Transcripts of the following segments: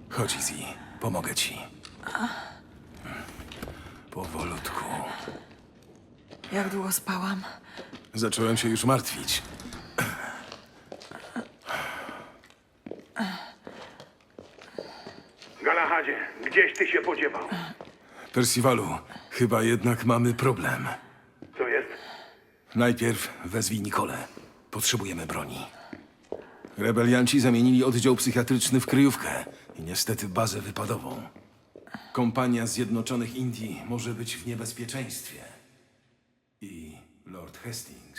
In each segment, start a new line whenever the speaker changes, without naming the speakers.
Chodź, Izzy. Pomogę ci. Powolutku.
Jak długo spałam?
Zacząłem się już martwić.
Galahadzie, gdzieś ty się podziewał?
Percivalu, chyba jednak mamy problem.
Co jest?
Najpierw wezwij Nikolę. Potrzebujemy broni. Rebelianci zamienili oddział psychiatryczny w kryjówkę i niestety bazę wypadową. Kompania Zjednoczonych Indii może być w niebezpieczeństwie. I Lord Hastings.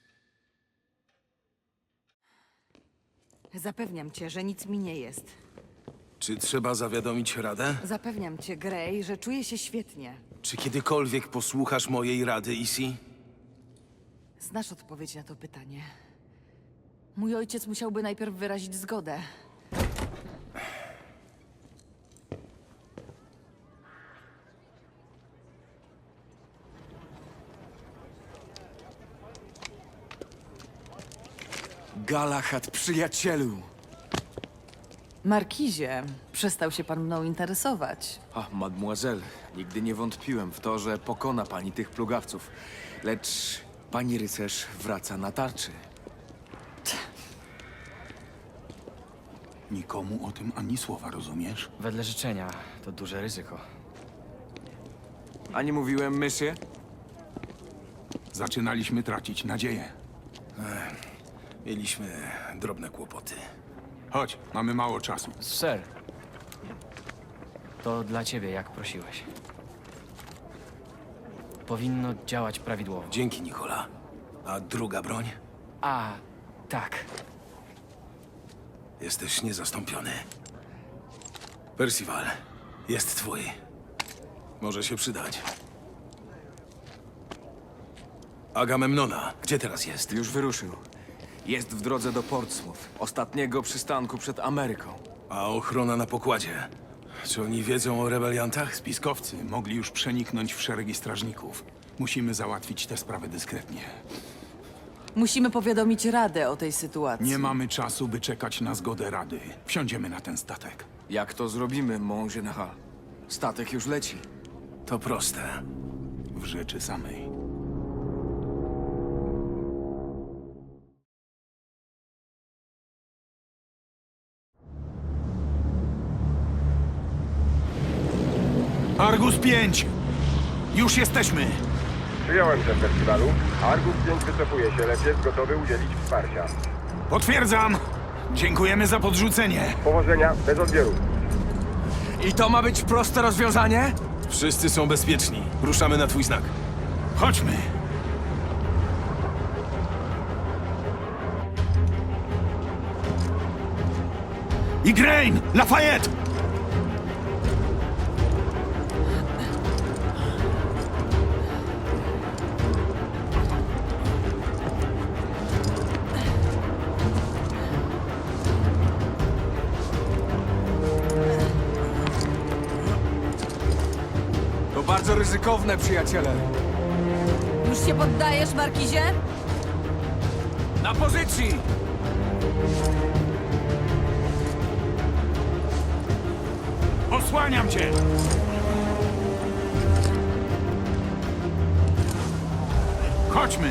Zapewniam cię, że nic mi nie jest.
Czy trzeba zawiadomić Radę?
Zapewniam cię, Grey, że czuję się świetnie.
Czy kiedykolwiek posłuchasz mojej rady, Izzy?
Znasz odpowiedź na to pytanie. Mój ojciec musiałby najpierw wyrazić zgodę.
Galahad, przyjacielu!
Markizie, przestał się pan mną interesować.
Ach, mademoiselle, nigdy nie wątpiłem w to, że pokona pani tych plugawców. Lecz pani rycerz wraca na tarczy.
Nikomu o tym ani słowa, rozumiesz?
Wedle życzenia to duże ryzyko.
A nie mówiłem, mysie?
Zaczynaliśmy tracić nadzieję.
Mieliśmy drobne kłopoty.
Chodź, mamy mało czasu.
Sir, to dla ciebie, jak prosiłeś. Powinno działać prawidłowo.
Dzięki, Nikola. A druga broń?
A, tak.
Jesteś niezastąpiony. Percival, jest twój. Może się przydać. Agamemnona, gdzie teraz jest?
Już wyruszył. Jest w drodze do Portsmouth, ostatniego przystanku przed Ameryką.
A ochrona na pokładzie? Czy oni wiedzą o rebeliantach?
Spiskowcy mogli już przeniknąć w szeregi strażników. Musimy załatwić tę sprawę dyskretnie.
Musimy powiadomić Radę o tej sytuacji.
Nie mamy czasu, by czekać na zgodę Rady. Wsiądziemy na ten statek.
Jak to zrobimy, mon général? Statek już leci.
To proste.
W rzeczy samej. Argus 5! Już jesteśmy!
Przyjąłem ten festiwalu. Argus 5 wycofuje się, lecz jest gotowy udzielić wsparcia.
Potwierdzam! Dziękujemy za podrzucenie.
Powodzenia, bez odbioru.
I to ma być proste rozwiązanie?
Wszyscy są bezpieczni. Ruszamy na twój znak.
Chodźmy! Igraine! Lafayette!
To bardzo ryzykowne, przyjaciele.
Już się poddajesz, Markizie?
Na pozycji!
Osłaniam cię! Chodźmy!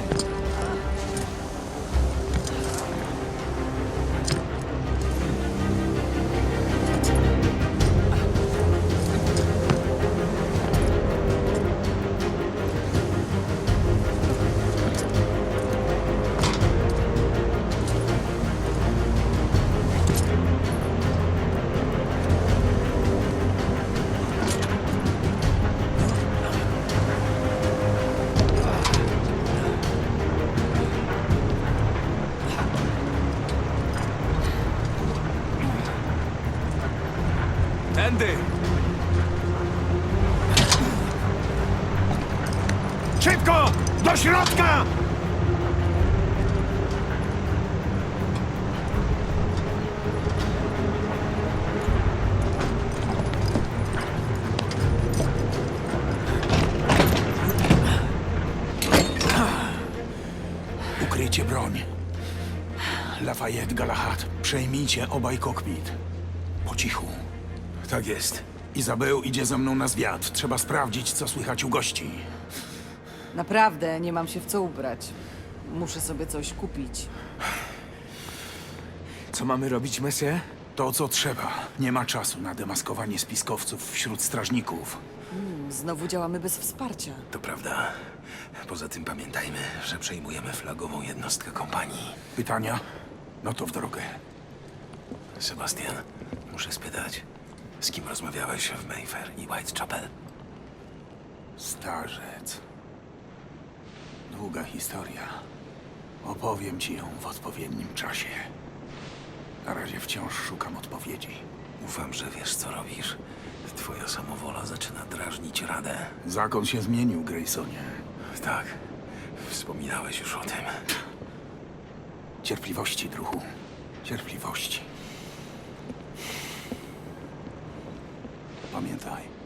Tędy!
Szybko! Do środka! Ukryjcie broń. Lafayette, Galahad, przejmijcie obaj kokpit. Po cichu.
Tak jest.
Izabel idzie ze mną na zwiat. Trzeba sprawdzić, co słychać u gości.
Naprawdę, nie mam się w co ubrać. Muszę sobie coś kupić.
Co mamy robić, Messie?
To, co trzeba. Nie ma czasu na demaskowanie spiskowców wśród strażników.
Znowu działamy bez wsparcia.
To prawda. Poza tym pamiętajmy, że przejmujemy flagową jednostkę kompanii.
Pytania? No to w drogę.
Sebastian, muszę spytać, z kim rozmawiałeś w Mayfair i Whitechapel?
Starzec. Długa historia. Opowiem ci ją w odpowiednim czasie. Na razie wciąż szukam odpowiedzi.
Ufam, że wiesz, co robisz. Twoja samowola zaczyna drażnić Radę.
Zakon się zmienił, Graysonie.
Tak, wspominałeś już o tym.
Cierpliwości, druhu. Cierpliwości. Pamiętaj,